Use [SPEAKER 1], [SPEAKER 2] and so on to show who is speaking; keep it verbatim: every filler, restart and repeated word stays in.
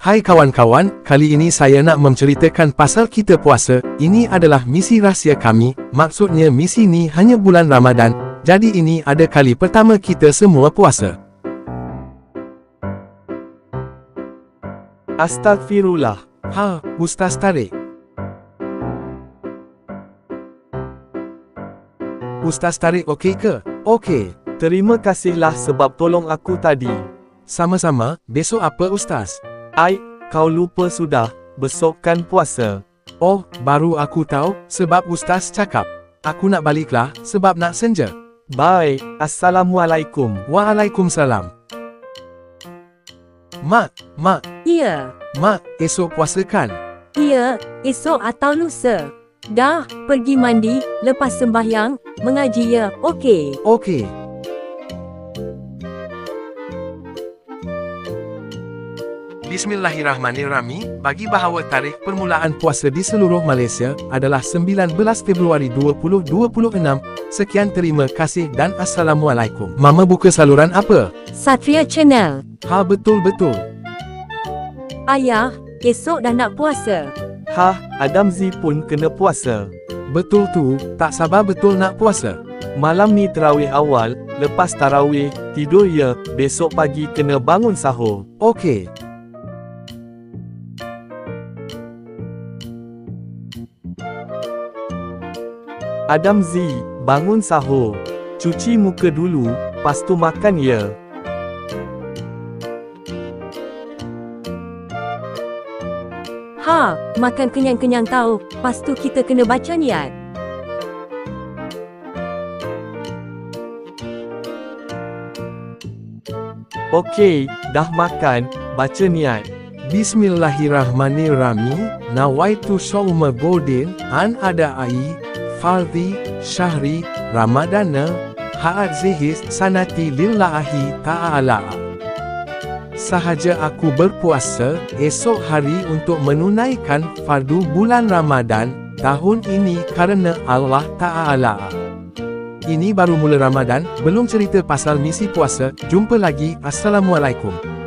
[SPEAKER 1] Hai kawan-kawan, kali ini saya nak menceritakan pasal kita puasa. Ini adalah misi rahsia kami, maksudnya misi ni hanya bulan Ramadan, jadi ini ada kali pertama kita semua puasa.
[SPEAKER 2] Astagfirullah.
[SPEAKER 1] Ha, Ustaz Tarik. Ustaz Tarik okey ke? Okey.
[SPEAKER 2] Terima kasihlah sebab tolong aku tadi.
[SPEAKER 1] Sama-sama, besok apa Ustaz?
[SPEAKER 2] Ai, kau lupa sudah, besok kan puasa.
[SPEAKER 1] Oh, baru aku tahu, sebab Ustaz cakap. Aku nak baliklah, sebab nak senja.
[SPEAKER 2] Baik, Assalamualaikum.
[SPEAKER 1] Waalaikumsalam. Mak, Mak,
[SPEAKER 3] Ya,
[SPEAKER 1] Mak, esok puasa kan?
[SPEAKER 3] ya, esok atau lusa. Dah, pergi mandi, lepas sembahyang, mengaji ya, okey.
[SPEAKER 1] Okey. Bismillahirrahmanirrahim. Bagi bahawa tarikh permulaan puasa di seluruh Malaysia adalah sembilan belas Februari dua ribu dua puluh enam. Sekian, terima kasih dan Assalamualaikum. Mama buka saluran apa?
[SPEAKER 3] Satria Channel.
[SPEAKER 1] Ha, betul-betul.
[SPEAKER 3] Ayah, esok dah nak puasa.
[SPEAKER 2] Hah, Adam Z pun kena puasa.
[SPEAKER 1] Betul tu, tak sabar betul nak puasa.
[SPEAKER 2] Malam ni terawih awal, lepas tarawih, tidur ya, besok pagi kena bangun sahur.
[SPEAKER 1] Okey.
[SPEAKER 2] Adam Z, bangun sahur. Cuci muka dulu, pas tu makan ya.
[SPEAKER 3] Ha, makan kenyang-kenyang tahu, pas tu kita kena baca niat.
[SPEAKER 2] Okey, dah makan, baca niat.
[SPEAKER 1] Bismillahirrahmanirrahim. Nawaitu shauma godin an adai fardhi syahri ramadana ha'adzihis sanati lillahi ta'ala. Sahaja aku berpuasa esok hari untuk menunaikan fardu bulan Ramadan tahun ini kerana Allah Ta'ala. Ini baru mula Ramadan, belum cerita pasal misi puasa. Jumpa lagi. Assalamualaikum.